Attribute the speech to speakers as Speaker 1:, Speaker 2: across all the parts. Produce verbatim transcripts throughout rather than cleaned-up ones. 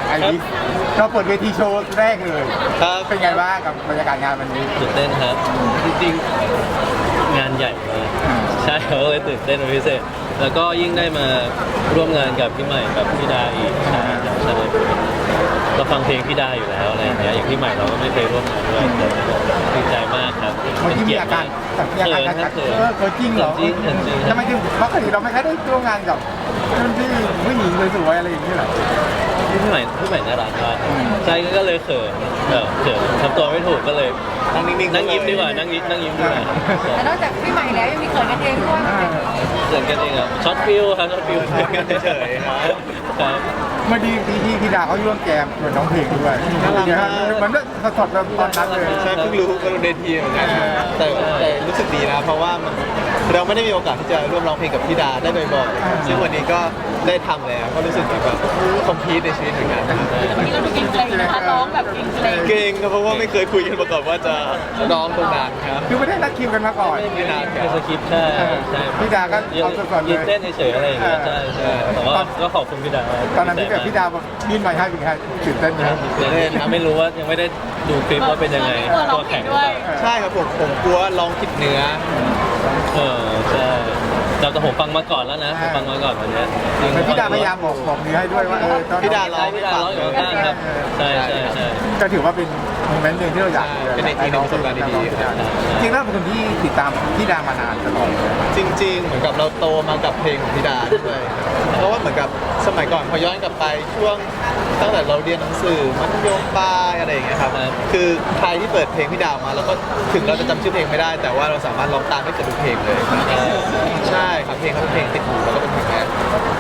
Speaker 1: ไอ้นี่เราเปิดเวทีโชว์แรกเลย
Speaker 2: ครับ
Speaker 1: เป็นไงบ้างกับบรรยากาศงานวันนี้
Speaker 3: ตื่นเต้นครับจริงๆงานใหญ่มากใช่เขาเลยตื่นเต้นเป็นพิเศษแล้วก็ยิ่งได้มาร่วมงานกับพี่ใหม่กับพี่ดาอีกใช่ครับใช่เราฟังเพลงพี่ดาอยู่แล้วอะไรอย่างเงี้ยอย่างพี่ใหม่เราก็ไม่เคยร่วมงานด้วยดีใจมากครับ
Speaker 1: เมื่อกี้มีอาการแต่มีอาการ
Speaker 3: เขิน
Speaker 1: กั
Speaker 3: ครั
Speaker 1: ก
Speaker 3: บเขิน
Speaker 1: เออเออจริงเหรอ
Speaker 3: จริงจริง
Speaker 1: ทำไมถึงปกติเราไม่ค่อยได้ร่วมงานกับรุ่นพี่ผู้หญิงสวยๆอะไรอย่างนี้เหรอ
Speaker 3: พี่ใหม่พี่ใหม่น่ารักมากใช่ก็เลยเขินเออเขินทำตัวไม่ถูกก็เลย
Speaker 2: นั่งนิ่งๆ
Speaker 3: นั่งยิ้มดีกว่านั่งยิ้มนั่งยิ้มดีกว่า
Speaker 4: แต่นอกจากพี่ใหม่แล้วยังมีเขินกันเองด้วย
Speaker 3: เขินกันเองอ่ะช็อตฟิลครับช็อตฟิล
Speaker 2: เฉยๆครับ
Speaker 3: ครับ
Speaker 1: เมื่อดีพี่พี่พี่ดาเขาร่วมแจมเหมือนน้องเพลงด้วย
Speaker 2: น่ารักมาก
Speaker 1: เหมือนสดๆแบบตอนนั้นเลย
Speaker 2: ใช่เพิ่งรู้ก็รู้เดทีเหมือนกันแต่แต่รู้สึกดีนะ เพราะว่ามันเราไม่ได้มีโอกาสที่จะร่วมร้องเพลงกับพี่ดาได้บ่อยๆซึ่งวันนี้ก็ได้ทำแล้วก็รู้สึกแบบคอมพลีทในชีวิตเหมือนกัน
Speaker 4: วันนี้เราดูเกรงๆนะคะร้องแบบเกรง
Speaker 2: เก่งครับเพราะว่าไม่เคยคุยกันมาก่อนว่าจะร้องตรงนั้นครับ
Speaker 1: คือไม่ได้นัดคิวกันมาก่อน
Speaker 2: ไม่นานค
Speaker 3: เป็
Speaker 2: รั
Speaker 3: น
Speaker 2: บ
Speaker 3: สคริปต์ใช่ใช่
Speaker 1: พี่ดาก็เอาสดๆเลย
Speaker 3: ยืนเต้นเฉยๆอะไรอย่างเงี้ยใช่ใช่แต่ว่าก็ขอบคุณพี่ดา
Speaker 1: ตอนนั้นที่แบบพี่ดาบอกยื่นไมค์ให้เป็นไงตื่นเต้นไหม
Speaker 3: เล่นนะไม่รู้ว่ายังไม่ได้ดูคลิปว่าเป็นยังไง
Speaker 4: ๆตัวร้อง
Speaker 3: ตัว
Speaker 4: ผิ
Speaker 3: แข็
Speaker 4: ด
Speaker 3: ง
Speaker 4: ด้วย
Speaker 2: ใช่ครับผมผมกลัวร้องผิดเนื้อ
Speaker 3: เออใช่แต่ผมฟังมาก่อนแล้วนะผมฟังมาก่อนวันนี้
Speaker 1: เหมือนพี่ดาพยายามบอกบอกเนื้อให้ด้วยว่าเออตอน
Speaker 2: พี่ดาร้อง
Speaker 3: พี่ดาร้องอยู่ข้างๆครับใช่ใช่ใช่
Speaker 1: ก็ถือว่าเป็นโมเมนต์หนึ่งที่เราอยาก
Speaker 2: เป็นอีกทีหนึ่งประสบการณ์ดีๆครับ
Speaker 1: จริงๆแล้วเป็นคนที่ติดตามพี่ดามานานตลอดเลย
Speaker 2: จริงๆ เหมือนกับเราโตมากับเพลงของพี่ดาด้วยเพราะว่าเหมือนกับสมัยก่อนพอย้อนกลับไปช่วงตั้งแต่เราเรียนหนังสือมัธยมปลายอะไรอย่างเงี้ยครับคือใครที่เปิดเพลงพี่ดามาแล้วก็ถึงเราจะจำชื่อเพลงไม่ได้ แต่ว่าเราสามารถร้องตามได้เกือบทุกเพลงเลยใช่ครับเพลงเขาเป็นเพลงติดหูแล้วก็เป็นเพลงแรก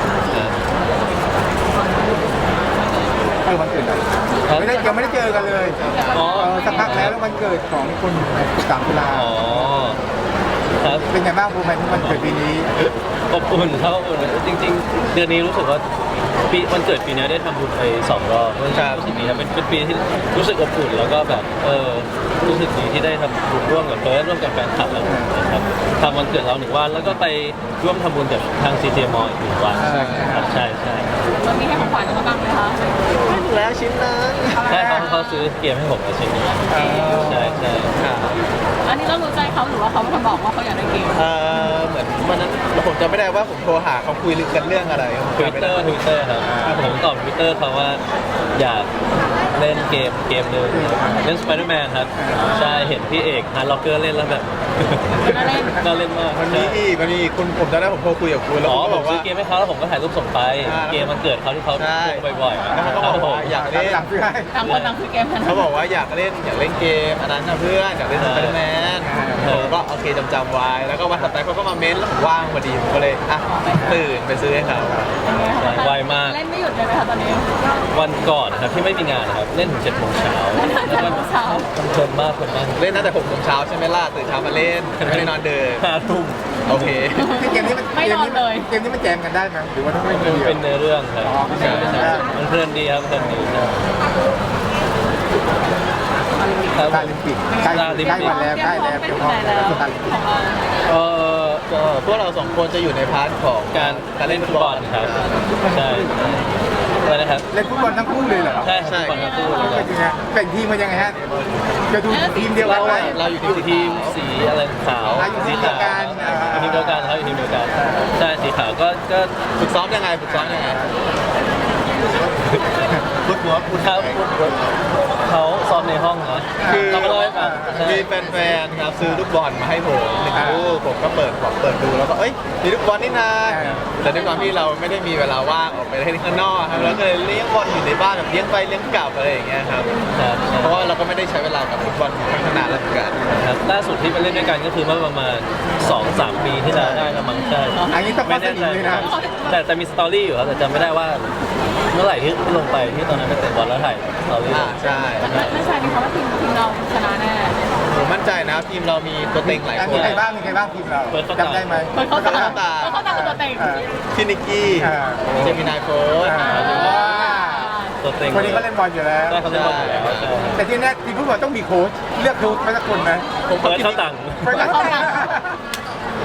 Speaker 1: เออวันเกิดอะไรไม่ได้ยังไม่ได้เจอกันเลย
Speaker 3: อ๋อ
Speaker 1: เออสักพักแล้วแล้ววันเกิดของคุณสิบสามตุลา
Speaker 3: อ๋อครับ
Speaker 1: เป็นไงบ้างโมเมนต์วันเกิดปีนี้
Speaker 3: อบอุ่นครับอบอุ่นจริงๆ เดือนนี้รู้สึกว่าปีวันเกิดปีนี้ได้ทำบุญไปสองรอบรู้สึกดีครับเป็นเป็นปีที่รู้สึกอบอุ่นแล้วก็แบบเออรู้สึกดีที่ได้ทำบุญร่วมกับเฟิร์สร่วมกับแฟนคลับแล้วนะครับทำวันเกิดเราหนึ่งวันแล้วก็ไปร่วมทำบุญกับทาง ซี เจ มอ อีกหนึ่งวันครับใช่ใช่
Speaker 4: วันนี้ให้ของขวัญเขาบ้างไหมคะ
Speaker 2: แล้วชิ้นนั้น
Speaker 3: ใช่เขาเขาซื้อเกมให้ผมในชิ้นนี้ใช่ใช่
Speaker 4: อันนี้เรารู้ใจเขาหรือว่าเขาเป็นคนบอกว่าเขาอยากได้เกม
Speaker 2: เออเหมือนวันนั้นผมจำไม่ได้ว่าผมโทรหาเขาคุยกันเรื่องอะไร
Speaker 3: ทวิตเตอร์ทวิตเตอร์ครับผมตอบทวิตเตอร์เขาว่าอยากเล่นเกมเกมหนึ่งเล่นสไปเดอร์แมนครับใช่เห็นพี่เอกฮาร์ดล็อกเกอร์เล่นแล้วแบบ
Speaker 4: น่าเล่น
Speaker 3: น่าเล่นมาก
Speaker 2: มันมีอีกมันมีอีกคุณผมจำได้ผมโทรคุยกับคุณแล้ว
Speaker 3: อ๋อ
Speaker 2: เขา
Speaker 3: ผ
Speaker 2: บอ
Speaker 3: ม
Speaker 2: ก
Speaker 3: ซื้
Speaker 2: ว่า
Speaker 3: อเกมให้เขาแล้วผมก็ถ่ายรูปส่งไป
Speaker 2: อ่า
Speaker 3: เกมมันเกิดเขาที่เขา
Speaker 2: ใช่
Speaker 3: ลงบ่อยๆ
Speaker 2: แล้วเขาก็บอกว่าอยากเล่น
Speaker 1: หลังซื้อให้
Speaker 4: ต่างคนต่างคือเกมกัน
Speaker 2: เขาบอกว่าอยากเล่นอยากเล่นเกมอันนั้นนะเพื่อนอยากเล่นสไปเดอร์แมนผมก็โอเคจำจำไว้แล้วก็วันถัดไปเขาก็มาเม้นแล้วผมว่างพอดีผมก็เลยอ่ะตื่นไปซื้อให้เขา
Speaker 3: ไวมาก
Speaker 4: เล่นไม่หยุดเลยไหมคะตอนนี้
Speaker 3: วันก่อนครับที่ไม่มีงานนะครับเล่นถึงเจ็ดโมงเช้า
Speaker 4: เล่นถึงเจ็ดโมงเช้า
Speaker 3: เพลินมากเพลินมาก
Speaker 2: เล่นตั้งแต่หกโมงเช้าใช่ไหมล่ะตื่นเช้ามาเล่นไม่ได้นอนเดิน
Speaker 3: ห้าทุ่ม
Speaker 2: โอเค
Speaker 1: เกมนี้มัน
Speaker 4: ไม่นอนเลย
Speaker 1: เกมนี้มันแจมกันได้ไหมหรือว่าต้องเล่นคนเดียว
Speaker 3: เป็นเนื้อเรื่องครับ
Speaker 1: อ๋อเป็นเนื้
Speaker 3: ใช่
Speaker 1: อเรื่อง
Speaker 3: ใช่มันเพลินดีครับเพลินดีครับ
Speaker 1: ตาลิมปิกใกล้ใกล้วันแล้วใกล้แล้ว
Speaker 4: เตรี
Speaker 1: เดี๋
Speaker 4: ย
Speaker 1: ย
Speaker 4: ม
Speaker 1: ว
Speaker 4: พ
Speaker 1: พ
Speaker 4: ร้
Speaker 1: อ
Speaker 4: อมไปถึงไหนแล้ว
Speaker 1: ตาลิมปิก
Speaker 4: ของเรา
Speaker 3: เออ
Speaker 2: ก็พวกเราสองคนจะอยู่ในพาร์ทของ
Speaker 3: การ
Speaker 2: การเล่นฟุตบอล
Speaker 3: ครับใช่อะไรนะครับ
Speaker 1: เล่นฟุตบอลทั้งคู่เลยเหรอ
Speaker 3: ใช่ครับฟุตบอลทั้งคู่เลยค
Speaker 1: เป็
Speaker 3: รับ
Speaker 1: นยังไงแบ่งทีมมันยังไงฮะจะดูทีมเดียวกันไหม
Speaker 2: เราอยู่
Speaker 3: อยู่
Speaker 2: ที่
Speaker 3: ทีมสีอะไรขาว
Speaker 1: อ่ะอยู่ที
Speaker 3: สี
Speaker 1: มเดีย
Speaker 3: ขาว ว
Speaker 1: กันอ่า
Speaker 3: อยู่ทีมเดียวกันครับอยู่ทีมเดียวกันใช่สีขาวก็ก็
Speaker 2: ฝึกซ้อมยังไงฝึกซ้อมยังไงฟุตบอลฟุต
Speaker 3: ครับเขาซ้อมในห้องนะ
Speaker 2: คือ
Speaker 3: เรามาเล่าให้ฟังใช่
Speaker 2: มีแฟนๆครับซื้อลูกบอลมาให้ผมหนึ่งลูกผมก็เปิดบอกเปิดดูแล้วก็เอ้ยมีลูกบอลนี่นาแต่ด้วยความที่เราไม่ได้มีเวลาว่างออกไปเล่นข้างนอกครับแล้วก็เลยเลี้ยงบอลอยู่ในบ้านแบบเลี้ยงไปเลี้ยงกลับอะไรอย่างเงี้ยครับ
Speaker 3: ครับ
Speaker 2: เพราะว่าเราก็ไม่ได้ใช้เวลากับฟุตบอลค่อนข้างนานแล้วเหมือนกัน
Speaker 3: ครับล่าสุดที่ไปเล่นด้วยกันก็คือเมื่อประมาณ สองสาม ปีที่แล้วได้ละมั้งใช่
Speaker 1: อันนี้ต้อง
Speaker 3: ไม่
Speaker 1: มาส
Speaker 3: แน่
Speaker 1: นิ
Speaker 3: ใจ
Speaker 1: ทเลยนะ
Speaker 3: แต่แต่มีสตอรี่อยู่ครับแต่จำไม่ได้ว่า เมื่อไหร่ที่ลงไปที่ตอนนั้นไปเตะบอลแล้วถ่ายสตอรี่
Speaker 2: อ่าใช่
Speaker 4: ไม่ใช่มีคำว่าทีมทีมเราชนะแน่
Speaker 2: ผมมั่นใจนะทีมเรามีตัวเต็งหลาย
Speaker 1: อัน
Speaker 2: ค
Speaker 1: มี
Speaker 2: น
Speaker 1: ใครบ้างมีใครบ้างทีมเราจำได้ไหม
Speaker 4: เปิดเข้าตา
Speaker 2: เปิดเข้าตา
Speaker 4: เปิดเข้าตาคือตัวเต็ง
Speaker 2: พี่นิกกี้
Speaker 1: อ่า
Speaker 2: เจมินายโค้ช
Speaker 1: อ่า
Speaker 3: ตัวเต็ง
Speaker 1: คนนี้ก็เล่นบอลอยู่แล้ว
Speaker 3: ได้เขาเล่นบอลอยู่แล้วใช่
Speaker 1: แต่ที่แน่ทีมฟุตบอลต้องมีโค้ชเลือกโค้ชไปสักคนไหม
Speaker 3: ผมเปิดเข้าตังค์
Speaker 1: เปิดเข้าตังค์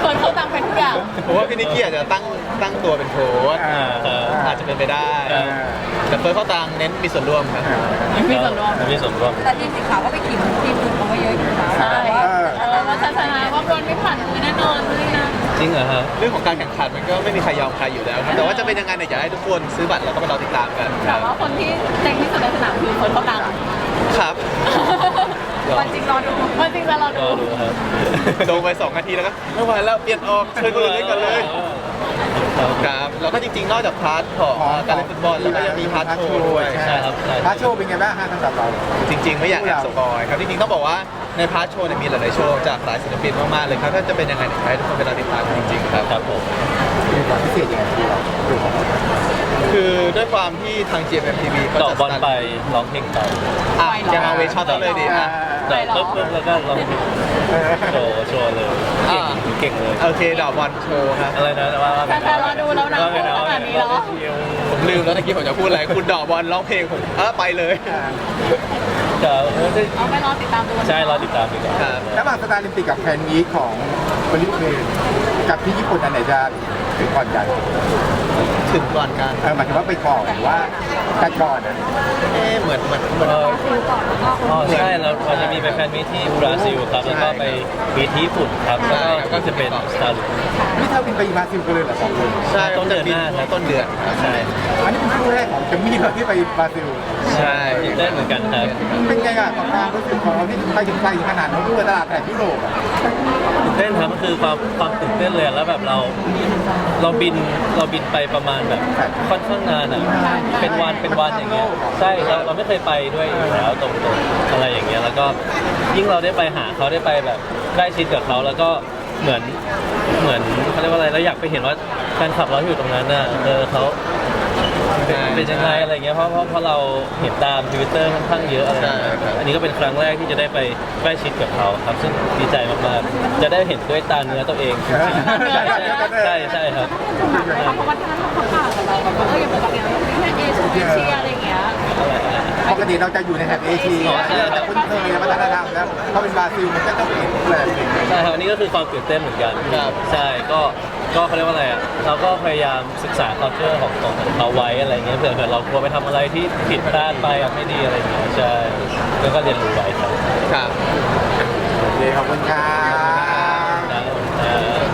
Speaker 4: คนเขาตังเป็นทุกอย่าง
Speaker 2: ผมว่าพี่นิกกี้อาจจะตั้งตั้งตัวเป็นโค้ช
Speaker 1: อ่า
Speaker 2: เอออาจจะเป็นไปได้
Speaker 1: อ่า
Speaker 2: แต่เฟิร์สเข้าตังเน้นมีส่วนร่วมครับ
Speaker 4: มีส่วนร่วม
Speaker 3: มีส่วนร่วม
Speaker 5: แต่ทีมสีขาวก็ไปขิงทีมอื่นเขาก็เยอะอยู่นะ
Speaker 4: ใช่เออว่าชนะว่าบอลไม่ผ่านมือแน่นอนเลยนะ
Speaker 3: จริงเหรอฮะ
Speaker 2: เรื่องของการแข่งขันมันก็ไม่มีใครยอมใครอยู่แล้วครับแต่ว่าจะเป็นยังไงเนี่ยอยากให้ทุกคนซื้อบัตรแล้วก็ไปรอติดตามกันค
Speaker 4: แต่
Speaker 2: รับ
Speaker 4: ว่าคนที่เต็งที่สุดในสนามคือคนเขาตัง
Speaker 2: ครับ
Speaker 5: วันจริงรอดู
Speaker 4: วันจริงจะรอ
Speaker 3: ก็
Speaker 4: ดู
Speaker 3: ดูครับ
Speaker 2: ลงไปสองนาทีแล้วก็ไม่ไหวแล้วเปลี่ยนออกเชิญคนอื่นเล่นกันเลย
Speaker 3: ครับ
Speaker 2: ครับแล้วก็จริงๆ นอกจากพาร์ทของการเล่นฟุตบอลแล้วก็ยังมีพาร์ทโชว์ด้วย
Speaker 3: ใช่ครับใช่
Speaker 1: พาร์ทโชว์เป็นไงบ้างฮะสำหรับเรา
Speaker 2: จริงๆ ไม่อยากแอบสปอยครับจริงๆต้องบอกว่าในพาร์ทโชว์เนี่ยมีหลายๆโชว์จากหลายศิลปินมากๆเลยครับถ้าจะเป็นยังไงเนี่ยอยากให้ทุกคนไปรอติดตามกันจริงๆครับ
Speaker 3: ครับผม
Speaker 1: มีความพิเศษยังไงที่เราดูของเรา
Speaker 2: คือด้วยความที่ทาง จี เอ็ม เอ็ม ที วี เขา
Speaker 3: ต่อ
Speaker 2: จะ
Speaker 3: บอลไปร้องเพลงไป
Speaker 2: อ่ะจะมาเวชั่นเลยดีอ่ะ
Speaker 3: แต่ปุ๊บปุ๊บแล้วก็ร้องโชว์โชว์เลย
Speaker 2: อ่า
Speaker 3: เก่งเก่งเลย
Speaker 2: โอเคดอกบอลโชว์ครับ
Speaker 3: อะไรนะว่าว่า
Speaker 4: แฟนๆรอดูแล้วนะ
Speaker 3: ว่าไงนะ
Speaker 4: ขนาดนี้แล้ว
Speaker 2: ผมลืมแล้วตะกี้ผมจะพูดอะไรคุณดอกบอลร้องเพลงผมเออไปเลย
Speaker 3: จะเออได้
Speaker 4: เอาไปรอติดตามดู
Speaker 3: ใช่รอติดตามดีกว่า
Speaker 2: ครับ
Speaker 1: ระหว่างสตาร์ลิมปิกกับแฟนมีตของบริเวณกับที่ญี่ปุ่นอันไหนจะถึงก่อนกัน
Speaker 2: ถึงก่อนกัน
Speaker 1: เออหมายถึงว่าไปก่อนหรือว่ากันก่อนนะ
Speaker 2: เอ๊ะเหมือนเหมือนเหมือน
Speaker 3: เอออ๋อใช่แล้วเราจะมีไปแฟนมีตที่บราซิลครับแล้วก็ไปมีที่ญี่ปุ่นครับแล้วก็ก็จะเป็นสตาร์
Speaker 1: นี่เธอบินไปบราซิลกันเลยเหรอสองคน
Speaker 2: ใช่
Speaker 3: ต้นเดือนหน้าครับ
Speaker 2: ต้นเดือนครับ
Speaker 3: ใช่
Speaker 1: อันนี้เป็นครั้งแรกของเจมมี่เหรอที่ไปบราซิล
Speaker 2: ใช่
Speaker 3: ตื่นเต้นเหมือนกันครับ
Speaker 1: เป็นไงอะกับความรู้สึกของเราที่ไปถึงไกลถึงขนาดนั้นด้วยตลาดแถบยุโรปอะ
Speaker 3: ตื่นเต้นครับมันคือความความตื่นเต้นเลยแล้วแบบเราเราบินเราบินไปประมาณแบบค่อนข้างนานอ่ะเป็นวันเป็นวันอย่างเงี้ยใช่เราเราไม่เคยไปด้วยอยู่แล้วตรงๆอะไรอย่างเงี้ยแล้วก็ยิ่งเราได้ไปหาเขาได้ไปแบบใกล้ชิดกับเขาแล้วก็เหมือนเหมือนเขาเรียกว่าอะไรเราอยากไปเห็นว่าแฟนคลับเราอยู่ตรงนั้นน่ะเออเขาเป็นเป็นยังไงอะไรเงี้ยเพราะเพราะเพราะเราเห็นตามทวิตเตอร์ค่อนข้างเยอะอะไรอย่างเงี้ยอันนี้ก็เป็นครั้งแรกที่จะได้ไปใกล้ชิดกับเขาครับซึ่งดีใจมากๆจะได้เห็นด้วยตาเนื้อตัวเองจริงๆใช่ใช่ครับ
Speaker 4: เพราะวัฒนธรรมเขาต่างกับเราแบบว่าเอออย่างปกติเราเป็นแค่เอเชียเอเชียอะไรอย่างเงี้ย
Speaker 3: อะไรอะไร
Speaker 1: ปกติเราจะอยู่ในแถบเอเชียเราจะคุ้นเคยวัฒนธรรมแล้วพอเป็นบราซิลมันก็ต้องเปลี่ยนรูปแบบหนึ่ง
Speaker 3: ใช่ครับอันนี้ก็คือความตื่นเต้นเหมือนกันใช่ก็ก็เขาเรียกว่าอะไรอ่ะเราก็พยายามศึกษา culture ของของเขาไว้อะไรเงี้ยเผื่อเผื่อเรากลัวไปทำอะไรที่ผิดพลาดไปอ่ะไม่ดีอะไรเงี้ยใช่แล้วก็เรียนรู้ไว้ครับ
Speaker 2: ครับ
Speaker 1: โอเคขอบคุณครับ
Speaker 3: นะ